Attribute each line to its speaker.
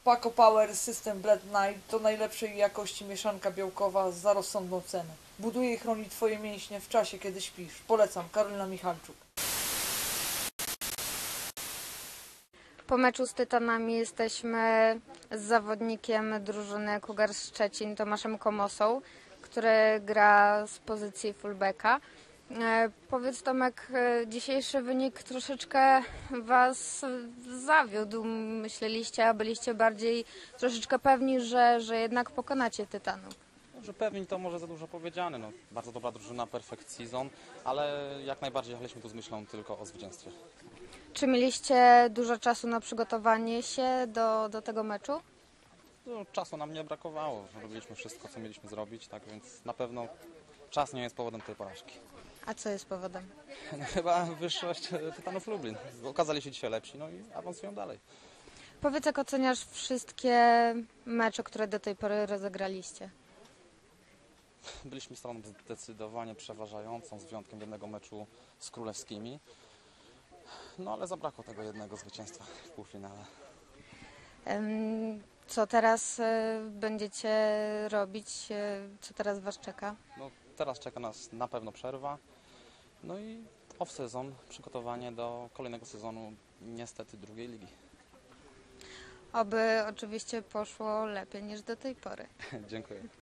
Speaker 1: Paco Power System Blend Night to najlepszej jakości mieszanka białkowa za rozsądną cenę. Buduje i chroni Twoje mięśnie w czasie, kiedy śpisz. Polecam. Karolina Michalczuk.
Speaker 2: Po meczu z Tytanami jesteśmy z zawodnikiem drużyny Cougars Szczecin, Tomaszem Komosą, który gra z pozycji fullbacka. Powiedz, Tomek, dzisiejszy wynik troszeczkę Was zawiódł. Myśleliście, a byliście bardziej troszeczkę pewni, że jednak pokonacie Tytanów.
Speaker 3: Że pewnie to może za dużo powiedziane. No, bardzo dobra drużyna, perfect season, ale jak najbardziej jechaliśmy tu z myślą tylko o zwycięstwie.
Speaker 2: Czy mieliście dużo czasu na przygotowanie się do tego meczu?
Speaker 3: No, czasu nam nie brakowało. Robiliśmy wszystko, co mieliśmy zrobić, tak więc na pewno czas nie jest powodem tej porażki.
Speaker 2: A co jest powodem?
Speaker 3: No, chyba wyższość Tytanów Lublin. Okazali się dzisiaj lepsi, no i awansują dalej.
Speaker 2: Powiedz, jak oceniasz wszystkie mecze, które do tej pory rozegraliście?
Speaker 3: Byliśmy stroną zdecydowanie przeważającą, z wyjątkiem jednego meczu z Królewskimi. No ale zabrakło tego jednego zwycięstwa w półfinale.
Speaker 2: Co teraz będziecie robić? Co teraz Was czeka?
Speaker 3: No, teraz czeka nas na pewno przerwa. No i off-sezon, przygotowanie do kolejnego sezonu, niestety drugiej ligi.
Speaker 2: Oby oczywiście poszło lepiej niż do tej pory.
Speaker 3: Dziękuję.